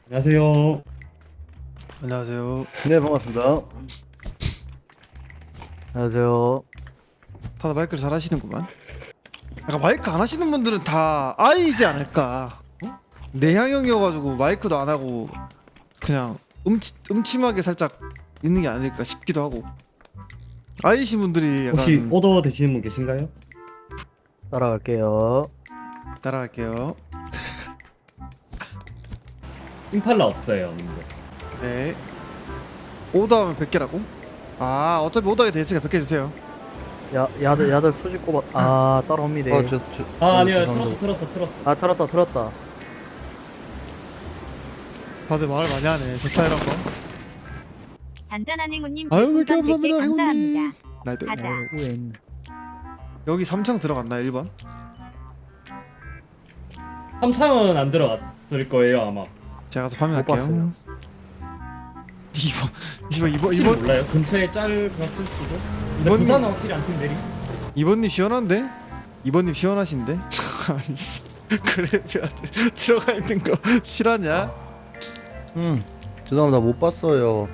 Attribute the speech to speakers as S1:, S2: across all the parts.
S1: 안녕하세요.
S2: 안녕하세요.
S3: 네, 반갑습니다. 안녕하세요.
S2: 다들 마이크를 잘 하시는구만. 약간 마이크 안 하시는 분들은 다 아이지 않을까? 어? 내향형이어가지고 마이크도 안 하고 그냥 음침하게 살짝 있는 게 아닐까 싶기도 하고. 아이신 분들이 약간
S1: 혹시 오더 되시는 분 계신가요?
S3: 따라갈게요.
S2: 따라갈게요.
S1: 임팔라 없어요, 님들.
S2: 네. 오더하면 100개라고? 아 어차피 오더하게 돼 있으니까 100개 주세요.
S3: 야들 수직 꼽아. 아, 따라옵니다.
S1: 아니요,
S3: 죄송합니다.
S1: 틀었어.
S3: 아, 틀었다.
S2: 다들 말을 많이 하네. 좋다 이런 거.
S4: 잔잔한 행운님
S2: 아유, 왜 이렇게
S4: 별풍선 100개
S2: 감사합니다,
S4: 감사합니다.
S2: 나이들.
S4: 가자.
S3: 위에 있네.
S2: 여기 3창 들어갔나 1번?
S1: 3창은 안 들어갔을 거예요, 아마.
S2: 제가 가서
S3: 못
S2: 파밍할게요.
S3: 봤어요.
S2: 2번
S1: 확실히
S2: 2번
S1: 몰라요. 근처에 짤 갔을 수도. 근데
S2: 이번
S1: 부산은 확실히 안 튼 내리.
S2: 2번님 시원한데? 2번님 시원하신데? 아니 씨 그래 들어가 있는 거 실화냐?
S3: 죄송합니다. 못 봤어요.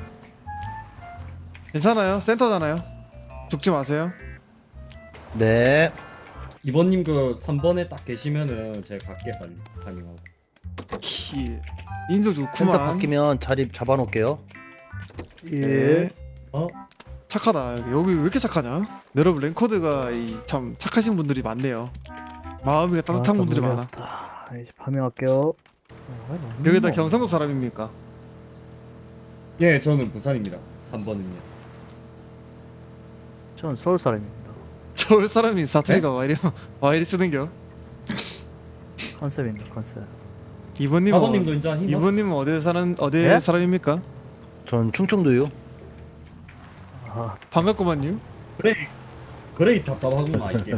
S2: 괜찮아요 센터잖아요 죽지 마세요.
S3: 네.
S1: 이번님 그 3번에 딱 계시면은 제가 갈게 빨리 타밍하고.
S2: 키 인성
S3: 센터
S2: 좋구만.
S3: 바뀌면 자리 잡아놓을게요.
S2: 네.
S1: 어?
S2: 착하다. 여기 왜 이렇게 착하냐? 여러분 랭커드가 참 착하신 분들이 많네요. 마음이 따뜻한 분들이 많아.
S3: 이제 파밍할게요.
S2: 여기다 경상도 사람입니까?
S1: 예, 저는 부산입니다. 3번은요.
S3: 저는 서울 사람입니다.
S2: 서울 사람이 사투리가 와 이리 쓰는겨?
S3: 컨셉입니다. 컨셉.
S2: 이번님은
S1: 4번님도 이제 힘.
S2: 이번님은 어디
S3: 네?
S2: 사람입니까?
S3: 전 충청도요. 아,
S2: 반갑구만요.
S1: 그래 답답하구만 이게.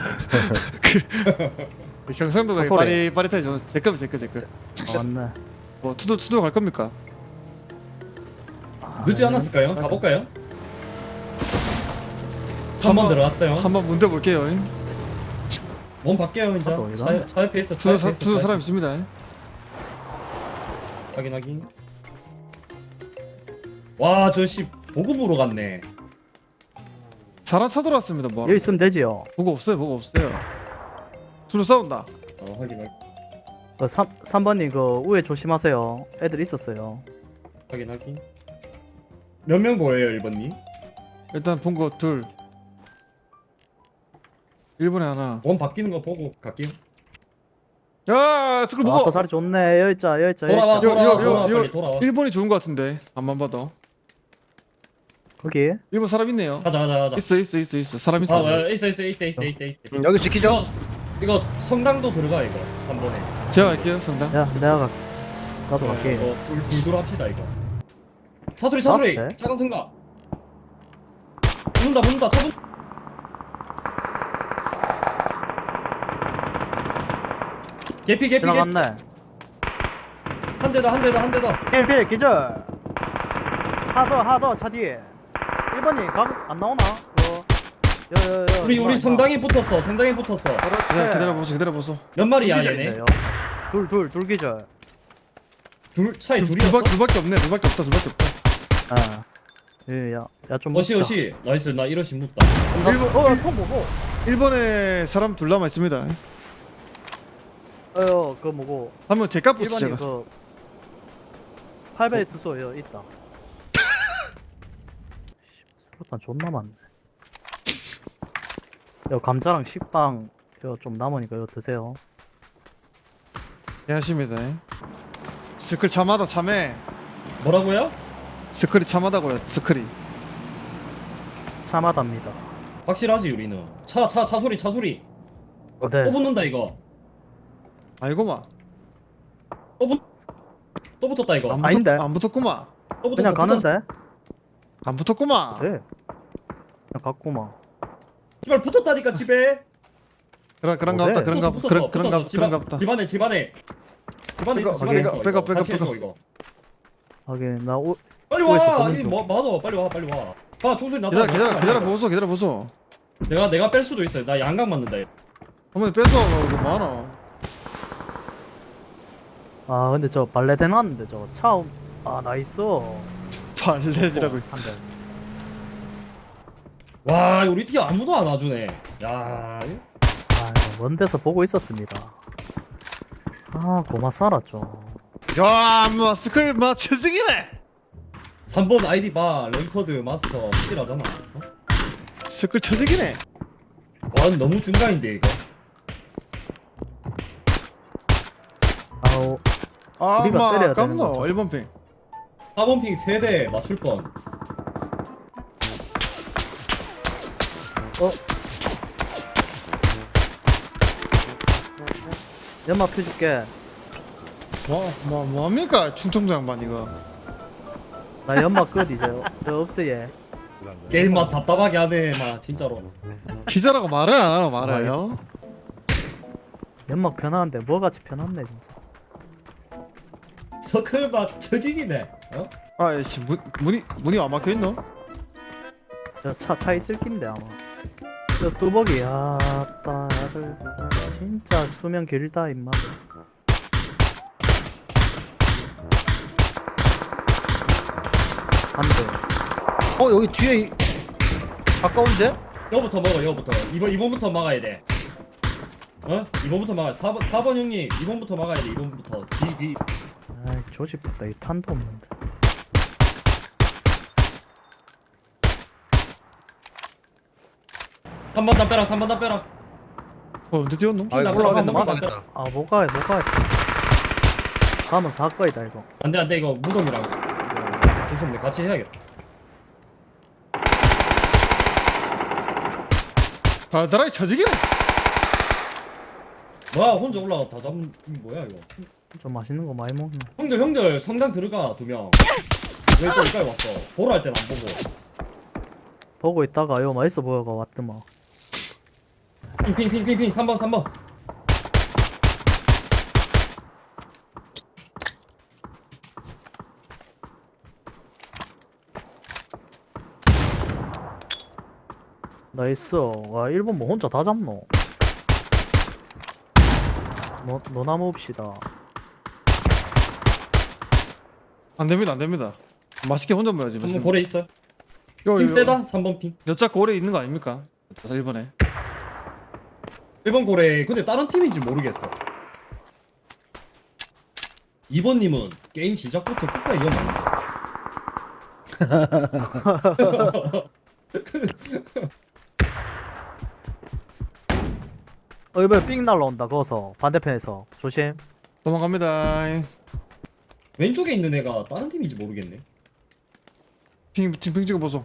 S2: 경상도가
S3: 소리.
S2: 빠릿빠릿하죠. 제거.
S3: 맞네.
S2: 뭐 투도 갈 겁니까?
S1: 늦지 않았을까요? 가볼까요? 3번 들어갔어요.
S2: 한번 문대 볼게요.
S1: 몸 바뀌어요 이제.
S3: 가도 어디가?
S1: 차 옆에 있어.
S2: 투도 사람 있습니다.
S1: 확인. 와, 저씨 보급으로 갔네.
S2: 사람 찾아왔습니다. 뭐
S3: 여기 있으면 되지요.
S2: 보고 없어요. 투로 싸운다.
S1: 확인.
S3: 그 3번님 그 우회 조심하세요. 애들 있었어요.
S1: 몇 명 보여요, 1번님?
S2: 일단 본 거 둘. 1번에 하나.
S1: 몸 바뀌는 거 보고 갈게요.
S2: 야, 스쿨
S3: 아,
S2: 보고.
S3: 그 자리 좋네. 여기 있자.
S1: 돌아와,
S2: 요,
S1: 빨리 돌아와.
S2: 1번이 좋은 거 같은데. 안만 봐도.
S3: 거기.
S2: 1번 사람 있네요.
S1: 가자.
S2: 있어. 사람 있어.
S1: 있어. 이때.
S3: 여기 지키죠.
S1: 이거 성당도 들어가 이거. 3번에.
S2: 제가 갈게요, 성당.
S3: 야, 내가 나도 갈게.
S1: 불 합시다 이거. 차소리.
S3: 나왔을 때?
S1: 작은 성당. 붙는다. 차분. 개피.
S3: 지나갔네.
S1: 한 대 더.
S3: 필 기절. 하더 차 뒤에. 1번이 안 나오나?
S1: 우리 성당에 붙었어.
S3: 그렇지.
S2: 기다려보소.
S1: 몇 마리야 얘네?
S3: 둘 기절.
S1: 차에 둘이었어?
S2: 둘밖에 없다.
S3: 아. 야좀
S1: 어시. 나이스. 나 1호씩 묻다.
S3: 통 뭐고?
S2: 1번에 사람 둘 남아 있습니다.
S3: 그거 뭐고?
S2: 한번 제값 보스
S3: 1번이
S2: 제가.
S3: 그 8배 투소 있다. 수류탄 존나 많네. 감자랑 식빵 좀 남으니까 이거 드세요.
S2: 예, 하십니다. 스클 참하다 참해.
S1: 뭐라고요?
S2: 스클이 참하다고요. 스클이.
S3: 참하답니다.
S1: 확실하지 우리는. 차 소리.
S3: 네.
S1: 또 붙는다 이거.
S2: 아이고마.
S1: 또 붙었다 이거.
S3: 아닌데?
S2: 안 붙었구마.
S1: 또 붙었어.
S3: 그냥 가는데?
S2: 안 붙었구마.
S3: 네. 그냥 갔구만.
S1: 씨발 붙었다니까 집에.
S2: 그런가
S3: 네.
S2: 보다. 그런가
S1: 붙었어.
S2: 보다.
S1: 집안에 있어.
S2: 빼가.
S1: 같이 해줘, 이거.
S3: 하긴 나
S1: 빨리
S3: 그래서
S1: 와.
S3: 보는
S1: 이
S3: 중.
S1: 뭐 빨리 와. 봐 총소리 났다.
S2: 기다려 보소.
S1: 내가 뺄 수도 있어. 나 양각 맞는다.
S2: 한번 뺏어. 이거 뭐하나.
S3: 아 근데 저 발레 대놨는데 저거 차음. 아 나이스.
S2: 발레디라고.
S3: 한 대.
S1: 와 우리 팀 아무도 안 와주네. 야 이거
S3: 아, 먼 데서 보고 있었습니다. 아, 고마 살았죠.
S2: 야, 뭐 스클 맞춰주기네.
S1: 3번 아이디 봐 랭커드 마스터 확실하잖아. 어?
S2: 스클 쳐주기네.
S1: 와 너무 중간인데 이거.
S3: 아우,
S2: 아,
S3: 우리가
S2: 마
S3: 때려야 되는
S2: 아깝노.
S3: 거죠.
S2: 1번 핑.
S1: 4번 핑 3대 맞출 뻔.
S3: 연막 펴줄게.
S2: 뭐합니까? 충청도 양반 이거.
S3: 나 연막 끝 이제. 저 없어 얘.
S1: 게임 맛 답답하게 하네 막 진짜로.
S2: 기자라고 말을 안 하나 말아요.
S3: 연막 편한데 뭐같이 편한네 진짜.
S1: 서클 맛 처지기네. 어?
S2: 아이씨 문이 안 막혀 있노?
S3: 저 차 있을 낀데 아마. 저 뚜벅이 아따 야들 진짜 수명 길다 임마. 안 돼.
S4: 여기 뒤에 가까운데?
S1: 여부터 먹어 여부터. 이번부터 막아야 돼. 어? 이번부터 막아. 4번 형님 이번부터 막아야 돼. 이번부터 뒤.
S3: 아이 조집됐다 이 탄도 없는데.
S1: 한 번 더 빼라. 3번 더 빼라.
S2: 언제 뛰었노?
S4: 아 이거
S1: 나
S4: 올라가면
S1: 나
S4: 막아야겠다.
S3: 아 못가해 가면 사거이다 이거.
S1: 안돼 이거 무덤이랑 어쩔 수 없네. 같이 해야겠다.
S2: 달달하게 쳐주기네.
S1: 와 혼자 올라가 다 잡은 뭐야 이거.
S3: 좀 맛있는 거 많이 먹네.
S1: 형들 성당 들어가 2명. 왜 또 여기까지 왔어? 보러 할 땐 안 보고.
S3: 보고 있다가 요 맛있어 보여가 왔더만.
S1: 핑 3번.
S3: 나이스. 와 일본 뭐 혼자 다 잡노. 너 나무 옵시다.
S2: 안 됩니다. 맛있게 혼자 먹어야지.
S1: 3번 고래 있어.
S2: 요,
S1: 핑 세다. 3번 핑.
S2: 여자 고래 있는 거 아닙니까? 1번에.
S1: 1번 고래 근데 다른 팀인지 모르겠어. 2번님은 게임 시작부터 끝까지 이어맞는다.
S3: 이번에 삥 날라온다 거기서 반대편에서 조심.
S2: 도망갑니다.
S1: 왼쪽에 있는 애가 다른 팀인지 모르겠네.
S2: 핑 찍어 보소.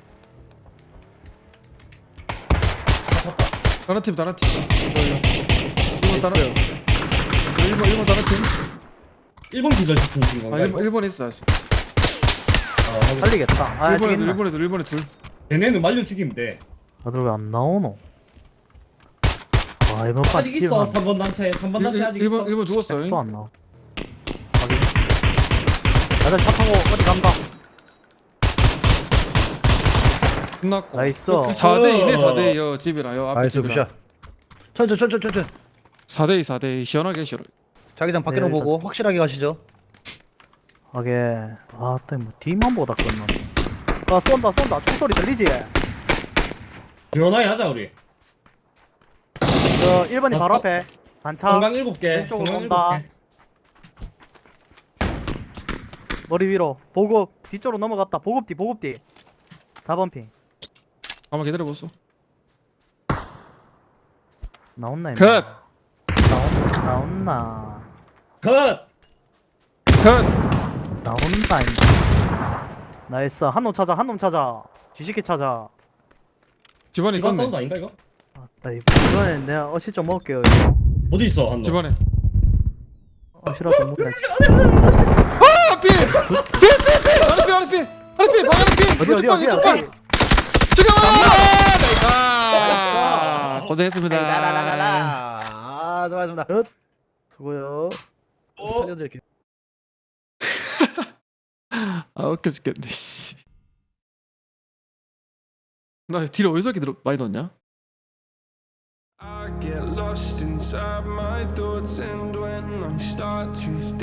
S2: 다른 팀. 1번 다른. 1번 다른 팀.
S1: 1번 기절시킨 거
S2: 아,
S1: 건가 이거?
S2: 1번 있어. 아직.
S3: 살리겠다. 아
S2: 1번에
S3: 죽겠나.
S2: 1번에 둘.
S1: 걔네는 말려 죽이면 돼.
S3: 다들 왜 안 나오노? 아 이번까지
S1: 아직 있어. 3번 단체. 3번 단체 아직 있어.
S2: 1번 죽었어.
S3: 또안 나와. 확인. 다들 차 타고 어디 간다.
S2: 끝났고.
S3: 나이스.
S2: 4대2네 4대2 집이라 요 앞에
S4: 나이스
S2: 집이라.
S4: 굿샷. 천천.
S2: 4대2 시원하게 싫어.
S4: 자기장 밖에로
S3: 네,
S4: 보고 확실하게 가시죠.
S3: 하게. 아따 뭐 뒤만 보다 끝났네. 아 쏜다. 총소리 들리지?
S1: 시원하게 하자 우리.
S3: 저 1번이 바로
S1: 어?
S3: 앞에 단차.
S1: 성강 7개.
S3: 왼쪽으로
S1: 성강
S3: 온다.
S1: 7개.
S3: 머리 위로 보급 뒤쪽으로 넘어갔다. 보급 뒤 4번 핑
S2: 한번 기다려 보소.
S3: 나온나 임마.
S2: 컷.
S3: 나온나
S1: 컷.
S3: 나온다 임마. 나이스. 한 놈 찾아 지식기 찾아.
S2: 집안에
S1: 집안
S2: 있겠네.
S1: 사운드 아닌가 이거?
S3: 아따 이번에 내가 어시 좀 먹을게요 이거.
S1: 어디 있어 한 놈?
S2: 집안에.
S3: 어시라도 먹네.
S2: 아, 필.
S3: 어디
S2: 죽여봐. 고생했습니다.
S4: 아 수고하셨습니다.
S3: 수고요.
S4: 살려드릴게요.
S2: 아, 웃겨 죽겠네 씨. 나 딜 어디서 이렇게 많이 넣었냐?
S5: I get lost inside my thoughts, and when I start to think